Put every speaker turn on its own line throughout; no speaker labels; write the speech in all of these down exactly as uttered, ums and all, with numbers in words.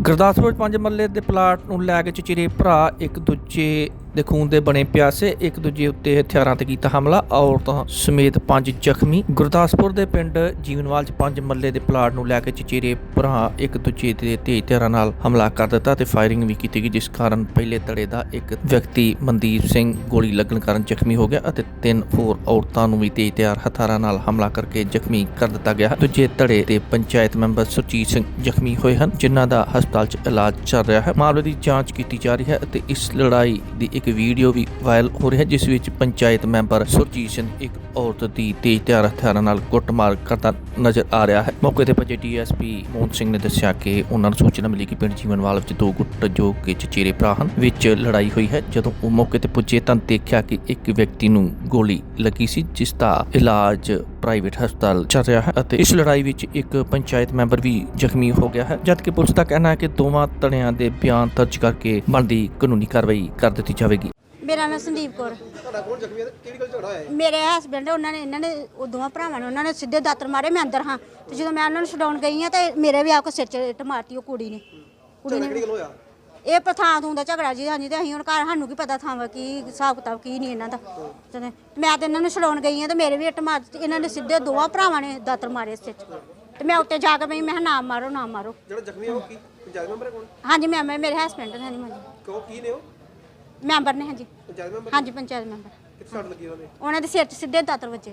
ਗੁਰਦਾਸਪੁਰ ਪੰਜ ਮਰਲੇ ਦੇ ਪਲਾਟ ਨੂੰ ਲੈ ਕੇ ਚਚੇਰੇ ਭਰਾ ਇੱਕ ਦੂਜੇ ਦੇ ਖੂਨ ਦੇ ਬਣੇ ਪਿਆਸੇ ਇੱਕ ਦੂਜੇ ਉੱਤੇ ਹਥਿਆਰਾਂ ਤੇ ਕੀਤਾ ਹਮਲਾ। ਔਰਤਾਂ ਸਮੇਤ ਪੰਜ ਜ਼ਖਮੀ। ਗੁਰਦਾਸਪੁਰ ਦੇ ਪਿੰਡ ਜੀਵਨਵਾਲ ਚ ਪੰਜ ਮਰਲੇ ਦੇ ਪਲਾਟ ਨੂੰ ਲੈ ਕੇ ਚਚੇਰੇ ਭਰਾ ਇੱਕ ਦੂਜੇ ਦੇ ਤੇਜ਼ ਹਥਿਆਰਾਂ ਨਾਲ ਹਮਲਾ ਕਰ ਦਿੱਤਾ ਤੇ ਫਾਇਰਿੰਗ ਵੀ ਕੀਤੀ ਗਈ, ਜਿਸ ਕਾਰਨ ਪਹਿਲੇ ਧੜੇ ਦਾ ਇੱਕ ਵਿਅਕਤੀ ਮਨਦੀਪ ਸਿੰਘ ਗੋਲੀ ਲੱਗਣ ਕਾਰਨ ਜ਼ਖਮੀ ਹੋ ਗਿਆ ਅਤੇ ਤਿੰਨ ਹੋਰ ਔਰਤਾਂ ਨੂੰ ਵੀ ਤੇਜ਼ ਹਥਿਆਰ ਹਥਿਆਰਾਂ ਨਾਲ ਹਮਲਾ ਕਰਕੇ ਜ਼ਖਮੀ ਕਰ ਦਿੱਤਾ ਗਿਆ। ਦੂਜੇ ਧੜੇ ਦੇ ਪੰਚਾਇਤ ਮੈਂਬਰ ਸੁਰਜੀਤ ਸਿੰਘ ਜ਼ਖਮੀ ਹੋਏ ਹਨ, ਜਿਨ੍ਹਾਂ ਦਾ ਹਸਪਤਾਲ ਚ ਇਲਾਜ ਚੱਲ ਰਿਹਾ ਹੈ। ਮਾਮਲੇ ਦੀ ਜਾਂਚ ਕੀਤੀ ਜਾ ਰਹੀ ਹੈ ਅਤੇ ਇਸ ਲੜਾਈ ਦੀ ਇੱਕ ਵੀਡੀਓ ਵੀ ਵਾਇਰਲ ਹੋ ਰਹੀ ਹੈ, ਜਿਸ ਵਿੱਚ ਪੰਚਾਇਤ ਮੈਂਬਰ ਸੁਰਜੀਤ ਸਿੰਘ ਇੱਕ ਔਰਤ ਦੀ ਤੇਜ਼ ਧਾਰ ਹਥਿਆਰਾਂ ਨਾਲ ਕੁੱਟਮਾਰ ਕਰਦਾ ਨਜ਼ਰ ਆ ਰਿਹਾ ਹੈ। ਮੌਕੇ ਤੇ ਪਹੁੰਚੇ D S P Mohan Singh ਨੇ ਦੱਸਿਆ ਕਿ ਉਹਨਾਂ ਨੂੰ ਸੂਚਨਾ ਮਿਲੀ ਕਿ ਪਿੰਡ ਜੀਵਨਵਾਲ ਵਿੱਚ ਦੋ ਗੁੱਟ ਜੋ ਕਿ ਚਚੇਰੇ ਭਰਾ ਹਨ ਵਿੱਚ ਲੜਾਈ ਹੋਈ ਹੈ। ਜਦੋਂ ਉਹ ਮੌਕੇ ਤੇ ਪੁੱਜੇ ਤਾਂ ਦੇਖਿਆ ਕਿ ਇੱਕ ਵਿਅਕਤੀ ਨੂੰ ਗੋਲੀ ਲੱਗੀ ਸੀ, ਜਿਸ ਦਾ ਇਲਾਜ ਪ੍ਰਾਈਵੇਟ ਹਸਪਤਾਲ ਚੱਲ ਰਿਹਾ ਹੈ ਅਤੇ ਇਸ ਲੜਾਈ ਵਿੱਚ ਇੱਕ ਪੰਚਾਇਤ ਮੈਂਬਰ ਵੀ ਜ਼ਖਮੀ ਹੋ ਗਿਆ ਹੈ, ਜਦਕਿ ਪੁਲਿਸ ਦਾ ਕਹਿਣਾ ਹੈ ਕਿ ਦੋਵਾਂ ਧੜਿਆਂ ਦੇ ਬਿਆਨ ਦਰਜ ਕਰਕੇ ਬਣਦੀ ਕਾਨੂੰਨੀ ਕਾਰਵਾਈ ਕਰ ਦਿੱਤੀ ਜਾਵੇਗੀ।
ਮੇਰਾ ਨਾਮ ਸੰਦੀਪ ਕੌਰ।
ਤੁਹਾਡਾ ਕੋਲ ਜ਼ਖਮੀ ਹੈ ਕਿਹੜੀ ਗੱਲ ਝਗੜਾ ਹੋਇਆ?
ਮੇਰੇ ਹਸਬੈਂਡ ਉਹਨਾਂ ਨੇ ਇਹਨਾਂ ਨੇ ਉਹ ਦੋਵਾਂ ਭਰਾਵਾਂ ਨੇ ਉਹਨਾਂ ਨੇ ਸਿੱਧੇ ਦਾਤਰ ਮਾਰੇ। ਮੈਂ ਅੰਦਰ ਹਾਂ ਤੇ ਜਦੋਂ ਮੈਂ ਉਹਨਾਂ ਨੂੰ ਛਡਾਉਣ ਗਈ ਹਾਂ ਤੇ ਮੇਰੇ ਵੀ ਆ ਕੇ ਸਿਰ 'ਚ ਇੱਟ ਮਾਰਤੀ ਉਹ ਕੁੜੀ ਨੇ। ਕੁੜੀ ਨੇ
ਕਿਹੜੀ ਗੱਲ ਹੋਇਆ?
ਇਹ ਪਥਾਂ ਥੂੰ ਦਾ ਝਗੜਾ ਜੀ। ਹਾਂਜੀ ਤੇ ਅਸੀਂ ਹੁਣ ਘਰ ਸਾਨੂੰ ਕੀ ਪਤਾ ਥਾਂ ਵਾ ਕੀ ਹਿਸਾਬ ਕਿਤਾਬ ਕੀ ਨਹੀਂ ਇਹਨਾਂ ਦਾ। ਤੇ ਮੈਂ ਤੇ ਇਹਨਾਂ ਨੂੰ ਛਡਾਉਣ ਗਈ ਹਾਂ ਤੇ ਮੇਰੇ ਵੀ ਇੱਟ ਮਾਰ ਦਿੱਤੀ। ਇਹਨਾਂ ਨੇ ਸਿੱਧੇ ਦੋਵਾਂ ਭਰਾਵਾਂ ਨੇ ਦਾਤਰ ਮਾਰੇ ਸਿਰ 'ਚ ਤੇ ਮੈਂ ਉੱਤੇ ਜਾ ਕੇ ਮੈਂ ਮੈਂ ਨਾ ਮਾਰੋ ਨਾ ਮਾਰੋ।
ਜਿਹੜਾ ਜ਼ਖਮੀ ਹੈ ਉਹ ਕੀ ਪੰਚਾਇਤ ਮੈਂਬਰ ਹੈ? ਕੋਣ?
ਹਾਂਜੀ ਮੈਂ ਮੇਰੇ ਹਸਬੈਂਡ ਨੇ। ਹਾਂਜੀ ਹਾਂਜੀ
ਕਿਉਂ ਕੀ ਨੇ ਉਹ?
ਮੈਂਬਰ ਨੇ। ਹਾਂਜੀ
ਪੰਚਾਇਤ ਮੈਂਬਰ?
ਹਾਂਜੀ ਪੰਚਾਇਤ ਮੈਂਬਰ।
ਕਿੱਥੇ ਸੱਟ ਲੱਗੀ ਉਹਨੇ?
ਉਹਨਾਂ ਦੇ ਸਿਰ 'ਚ ਸਿੱਧੇ ਦਾਤਰ ਵੱਜੇ,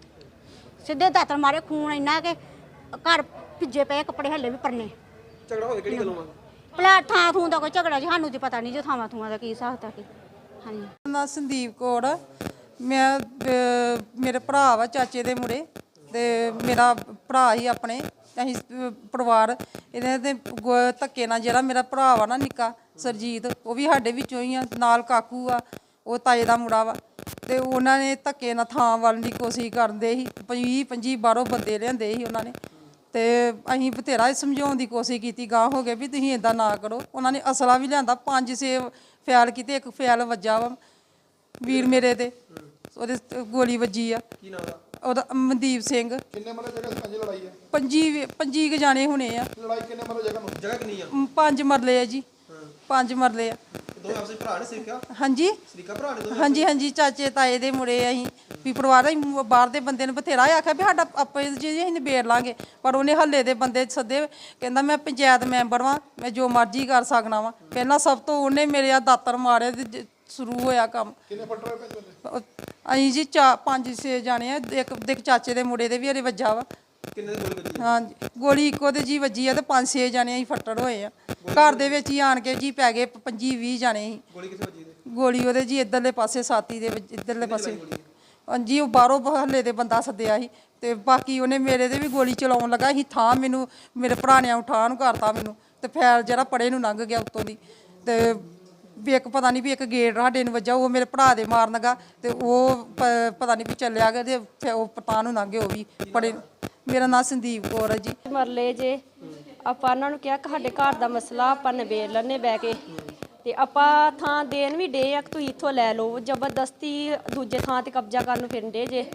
ਸਿੱਧੇ ਦਾਤਰ ਮਾਰੇ। ਖੂਨ ਇੰਨਾ ਕਿ ਘਰ ਭਿੱਜੇ ਪਏ, ਕੱਪੜੇ ਹੱਲੇ ਵੀ ਪਰਨੇ।
ਝਗੜਾ ਹੋਇਆ ਕਿਹੜੀ ਗੱਲੋਂ ਆ?
ਪਲਾਟ ਥਾਂ ਥੂੰ ਦਾ ਕੋਈ ਝਗੜਾ ਜੀ ਸਾਨੂੰ ਤੇ ਪਤਾ ਨਹੀਂ ਜੋ ਥਾਵਾਂ ਥੂਆਂ ਦਾ ਕੀ ਹਿਸਾਬ ਤਾ ਕੀ। ਹਾਂਜੀ
ਮੇਰਾ ਨਾਂ ਸੰਦੀਪ ਕੌਰ। ਮੈਂ ਅਹ, ਮੇਰੇ ਭਰਾ ਵਾ ਚਾਚੇ ਦੇ ਮੁੰਡੇ ਤੇ ਮੇਰਾ ਭਰਾ ਹੀ ਆਪਣੇ ਅਸੀਂ ਅਹ, ਪਰਿਵਾਰ ਇਹਦੇ ਤੇ ਗੋ- ਧੱਕੇ ਨਾਲ ਜਿਹੜਾ ਮੇਰਾ ਭਰਾ ਵਾ ਨਾ ਨਿੱਕਾ ਸਰਜੀਤ, ਉਹ ਵੀ ਸਾਡੇ ਵਿੱਚੋਂ ਹੀ ਆ। ਨਾਲ ਕਾਕੂ ਆ, ਉਹ ਤਾਏ ਦਾ ਮੁੰਡਾ ਵਾ ਤੇ ਉਹਨਾਂ ਨੇ ਧੱਕੇ ਨਾਲ ਥਾਂ ਵੱਲ ਦੀ ਕੋਸ਼ਿਸ਼ ਕਰਦੇ ਸੀ। ਵੀਹ ਪੰਜੀ ਬਾਹਰੋਂ ਬੰਦੇ ਲਿਆਂਦੇ ਸੀ ਉਹਨਾਂ ਨੇ ਤੇ ਅਸੀਂ ਬਥੇਰਾ ਸਮਝਾਉਣ ਦੀ ਕੋਸ਼ਿਸ਼ ਕੀਤੀ। ਗਾਂਹ ਹੋ ਗਏ ਵੀ ਤੁਸੀਂ ਇੱਦਾਂ ਨਾ ਕਰੋ। ਉਹਨਾਂ ਨੇ ਅਸਲਾ ਵੀ ਲਿਆਂਦਾ, ਪੰਜ ਛੇ ਫੈਲ ਕੀਤੇ, ਇੱਕ ਫੈਲ ਵੱਜਾ ਵਾ ਵੀਰ ਮੇਰੇ ਤੇ, ਉਹਦੇ ਗੋਲੀ ਵੱਜੀ ਆ।
ਕੀ ਨਾਮ ਦਾ?
ਉਹਦਾ ਮਨਦੀਪ ਸਿੰਘ।
ਕਿੰਨੇ ਮਰਲੇ ਜਗ੍ਹਾ ਪੰਜ ਲੜਾਈ ਹੈ?
ਪੰਜੀ ਪੰਜੀ ਕੁ ਜਾਣੇ ਹੋਣੇ ਆ।
ਲੜਾਈ ਕਿੰਨੇ ਮਰਲੇ ਜਗ੍ਹਾ ਨੂੰ? ਜਗ੍ਹਾ ਕਿੰਨੀ ਆ?
ਮ, ਪੰਜ ਮਰਲੇ ਆ ਜੀ। ਪੰਜ ਮਰਲੇ ਆ।
ਦੋ ਆਪਸੇ ਭਰਾ ਨੇ ਸਿੱਖਿਆ?
ਹਾਂਜੀ
ਸਰੀਕਾ ਭਰਾ ਨੇ ਦੋ?
ਹਾਂਜੀ ਹਾਂਜੀ ਚਾਚੇ ਤਾਏ ਦੇ ਮੁੰਡੇ ਅਸੀਂ ਵੀ ਪਰਿਵਾਰ ਅਸੀਂ ਬਾਹਰ ਦੇ ਬੰਦੇ ਨੂੰ ਬਥੇਰਾ ਆਖਿਆ ਵੀ ਸਾਡਾ ਆਪੇ ਜੀ ਅਸੀਂ ਨਿਬੇੜ ਲਾਂਗੇ, ਪਰ ਉਹਨੇ ਹੱਲੇ ਦੇ ਬੰਦੇ ਸੱਦੇ। ਕਹਿੰਦਾ ਮੈਂ ਪੰਚਾਇਤ ਮੈਂਬਰ ਵਾਂ, ਮੈਂ ਜੋ ਮਰਜ਼ੀ ਕਰ ਸਕਣਾ ਵਾਂ। ਪਹਿਲਾਂ ਸਭ ਤੋਂ ਉਹਨੇ ਮੇਰੇ ਆ ਦਾਤਰ ਮਾਰੇ ਤੇ ਸ਼ੁਰੂ ਹੋਇਆ ਕੰਮ।
ਕਿੰਨੇ ਫੱਟ ਹੋਏ ਪੈਂਦੇ?
ਅਸੀਂ ਜੀ ਚਾ ਪੰਜ ਛੇ ਜਾਣੇ ਆ। ਇੱਕ ਦੇ ਚਾਚੇ ਦੇ ਮੁੰਡੇ ਦੇ ਵੀ ਹਰੇ ਵੱਜਾ ਵਾ।
ਕਿੰਨੇ ਦੀ ਗੋਲੀ ਵੱਜੀ?
ਹਾਂਜੀ ਗੋਲੀ ਇੱਕੋ ਤੇ ਜੀ ਵੱਜੀ ਆ ਤੇ ਪੰਜ ਛੇ ਜਾਣੇ ਅਸੀਂ ਫੱਟੜ ਹੋਏ ਆ। ਘਰ ਦੇ ਵਿੱਚ ਹੀ ਆਣ ਕੇ ਜੀ ਪੈ ਗਏ ਪੰਜੀ ਵੀਹ ਜਾਣੇ ਸੀ।
ਗੋਲੀ ਕਿੱਥੇ ਵੱਜੀ?
ਗੋਲੀ ਉਹਦੇ ਜੀ ਇੱਧਰਲੇ ਪਾਸੇ ਛਾਤੀ ਦੇ ਵਿੱਚ, ਇੱਧਰਲੇ ਪਾਸੇ। ਹਾਂਜੀ ਉਹ ਬਾਹਰੋਂ ਹੱਲੇ ਦੇ ਬੰਦਾ ਸੱਦਿਆ ਸੀ ਤੇ ਬਾਕੀ ਉਹਨੇ ਮੇਰੇ ਤੇ ਵੀ ਗੋਲੀ ਚਲਾਉਣ ਲੱਗਾ ਸੀ। ਥਾਂ ਮੈਨੂੰ ਮੇਰੇ ਭਰਾ ਨੇ ਉਠਾਂ ਨੂੰ ਕਰਤਾ ਮੈਨੂੰ ਤੇ ਫੈਲ ਜਿਹੜਾ ਪੜੇ ਨੂੰ ਲੰਘ ਗਿਆ ਉੱਤੋਂ ਦੀ। ਤੇ ਵੀ ਇੱਕ ਪਤਾ ਨਹੀਂ ਵੀ ਇੱਕ ਗੇਟ ਸਾਡੇ ਨੂੰ ਵੱਜਾ, ਉਹ ਮੇਰੇ ਭਰਾ ਦੇ ਮਾਰਨ ਲੱਗਾ ਤੇ ਉਹ ਪ- ਪਤਾ ਨਹੀਂ ਵੀ ਚੱਲਿਆ ਗਿਆ ਤੇ ਫਿਰ ਉਹ ਪਤਾ ਨੂੰ ਲੰਘ ਗਏ ਉਹ ਵੀ ਪੜੇ। ਮੇਰਾ ਨਾਂ ਸੰਦੀਪ ਕੌਰ ਹੈ ਜੀ।
ਮਰਲੇ ਜੇ ਆਪਾਂ ਉਹਨਾਂ ਨੂੰ ਕਿਹਾ ਕਿ ਸਾਡੇ ਘਰ ਦਾ ਮਸਲਾ ਆਪਾਂ ਨਿਬੇੜ ਲੈਣੇ ਬਹਿ ਕੇ, ਤੇ ਆਪਾਂ ਥਾਂ ਦੇਣ ਵੀ ਡੇ ਆ ਕਿ ਤੁਸੀਂ ਇੱਥੋਂ ਲੈ ਲਓ। ਜ਼ਬਰਦਸਤੀ ਦੂਜੇ ਥਾਂ ਤੇ ਕਬਜ਼ਾ ਕਰਨ ਨੂੰ ਫਿਰਦੇ ਜੇ।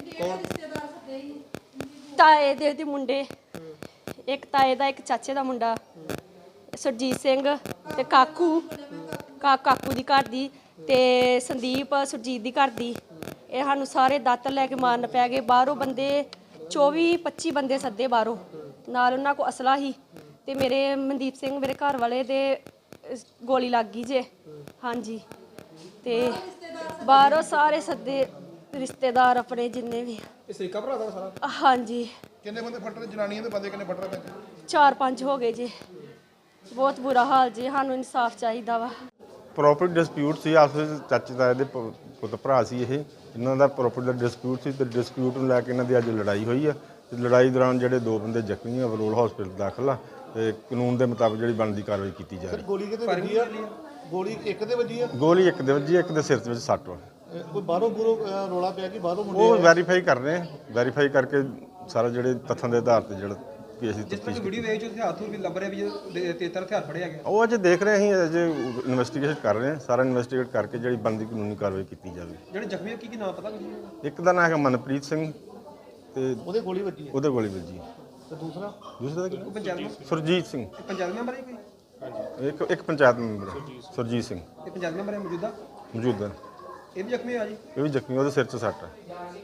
ਤਾਏ ਦੇ ਦੇ ਮੁੰਡੇ, ਇੱਕ ਤਾਏ ਦਾ ਇੱਕ ਚਾਚੇ ਦਾ ਮੁੰਡਾ ਸੁਰਜੀਤ ਸਿੰਘ ਤੇ ਕਾਕੂ ਕਾ ਕਾਕੂ ਦੀ ਘਰ ਦੀ ਤੇ ਸੰਦੀਪ ਸੁਰਜੀਤ ਦੀ ਘਰ ਦੀ। ਇਹ ਸਾਨੂੰ ਸਾਰੇ ਦਾਤਰ ਲੈ ਕੇ ਮਾਰਨ ਪੈ ਗਏ। ਬਾਹਰੋਂ ਬੰਦੇ ਚੌਵੀ ਪੱਚੀ ਬੰਦੇ ਸੱਦੇ ਬਾਹਰੋਂ, ਨਾਲ ਉਹਨਾਂ ਕੋਲ ਅਸਲਾ ਹੀ ਤੇ ਮੇਰੇ ਮਨਦੀਪ ਸਿੰਘ ਮੇਰੇ ਘਰ ਵਾਲੇ ਦੇ ਗੋਲੀ ਲੱਗ ਗਈ ਜੇ। ਹਾਂਜੀ ਤੇ ਬਾਹਰੋਂ ਸਾਰੇ ਸੱਦੇ ਰਿਸ਼ਤੇਦਾਰ ਆਪਣੇ ਜਿੰਨੇ ਵੀ।
ਇਹ ਸਰੀਕਾ ਭਰਾ ਦਾ ਸਾਰਾ?
ਹਾਂਜੀ।
ਕਿੰਨੇ ਬੰਦੇ ਫੱਟ ਰਹੇ? ਜਨਾਨੀਆਂ ਦੇ ਬੰਦੇ ਕਿੰਨੇ ਫੱਟ ਰਹੇ ਪੈਂਦੇ?
ਚਾਰ ਪੰਜ ਹੋ ਗਏ ਜੀ। ਬਹੁਤ ਬੁਰਾ ਹਾਲ ਜੀ। ਸਾਨੂੰ ਇਨਸਾਫ ਚਾਹੀਦਾ ਵਾ।
ਪ੍ਰੋਪਰਟੀ ਡਿਸਪਿਊਟ ਸੀ ਆਪਸ ਵਿੱਚ। ਚਾਚੇ ਤਾਏ ਦੇ ਪ- ਪੁੱਤ ਭਰਾ ਸੀ ਇਹ। ਇਹਨਾਂ ਦਾ ਪ੍ਰੋਪਰਟੀ ਦਾ ਡਿਸਪਿਊਟ ਸੀ ਤੇ ਡਿਸਪਿਊਟ ਨੂੰ ਲੈ ਕੇ ਇਹਨਾਂ ਦੀ ਅੱਜ ਲੜਾਈ ਹੋਈ ਆ ਤੇ ਲੜਾਈ ਦੌਰਾਨ ਜਿਹੜੇ ਦੋ ਬੰਦੇ ਜ਼ਖਮੀ ਆ ਬਲੋਲ ਹਸਪੀਟਲ ਦਾਖਲ ਆ ਤੇ ਕਾਨੂੰਨ ਦੇ ਮੁਤਾਬਕ ਜਿਹੜੀ ਬਣਦੀ ਕਾਰਵਾਈ ਕੀਤੀ ਜਾ ਰਹੀ।
ਗੋਲੀ ਕਿਤੇ ਵੱਜੀ ਆ? ਗੋਲੀ ਇੱਕ ਦੇ ਵੱਜੀ ਆ?
ਗੋਲੀ ਇੱਕ ਦੇ ਵੱਜੀ, ਇੱਕ ਦੇ ਸਿਰ ਦੇ ਵਿੱਚ ਸੱਟ ਵਾ।
ਇਹ ਕੋਈ ਬਾਹਰੋਂ ਬੁਰੋ ਰੋਲਾ ਪਿਆ ਕਿ ਬਾਹਰੋਂ ਮੁੰਡੇ
ਉਹ
ਆਏ?
ਵੈਰੀਫਾਈ ਕਰ ਰਹੇ ਆ। ਵੈਰੀਫਾਈ ਕਰਕੇ ਸਾਰਾ ਜਿਹੜੇ ਤੱਥਾਂ ਦੇ ਆਧਾਰ ਤੇ ਜਿਹੜਾ ਕੇਸ ਦੀ
ਜਿਸ
ਤਫਤੀਸ਼
ਤਰ੍ਹਾਂ ਵੀਡੀਓ ਵੇਚ ਉੱਥੇ ਹੱਥ ਵੀ ਲੱਭ ਰਿਹਾ ਵੀ ਤੇਤਰ ਹਥਿਆਰ ਫੜੇ ਹੈਗੇ।
ਉਹ ਅਜੇ ਦੇਖ ਰਹੇ ਅਸੀਂ, ਅਜੇ ਇਨਵੈਸਟੀਗੇਸ਼ਨ ਕਰ ਰਹੇ ਹਾਂ। ਸਾਰਾ ਇਨਵੈਸਟੀਗੇਟ ਕਰਕੇ ਜਿਹੜੀ ਬਣਦੀ ਕਾਨੂੰਨੀ ਕਾਰਵਾਈ ਕੀਤੀ ਜਾਵੇ।
ਜਿਹੜੇ ਜ਼ਖਮੀ ਕੀ ਕੀ ਨਾਮ ਪਤਾ ਕੁਝ?
ਇੱਕ ਦਾ ਨਾਮ ਹੈਗਾ ਮਨਪ੍ਰੀਤ ਸਿੰਘ ਤੇ
ਉਹਦੇ ਗੋਲੀ ਵੱਜੀ ਆ
ਉਹਦੇ ਗੋਲੀ ਵੱਜੀ।
ਤੇ ਦੂਸਰਾ
ਦੂਸਰਾ ਦਾ ਕੀ?
ਪੰਚਾਇਤ
ਸੁਰਜੀਤ ਸਿੰਘ।
ਪੰਚਾਇਤ ਮੈਂਬਰ ਹੈ ਕੋਈ?
ਇੱਕ ਇੱਕ ਪੰਚਾਇਤ ਮੈਂਬਰ ਹੈ, ਸੁਰਜੀਤ ਸਿੰਘ
ਇਹ ਪੰਚਾਇਤ ਮੈਂਬਰ ਹੈ ਮੌਜੂਦਾ,
ਮੌਜੂਦਾ।
ਇਹ ਵੀ ਜ਼ਖਮੀ ਹੋਇਆ ਜੀ।
ਇਹ ਵੀ ਜ਼ਖਮੀ, ਉਹਦੇ ਸਿਰ 'ਚ ਸੱਟ ਹੈ।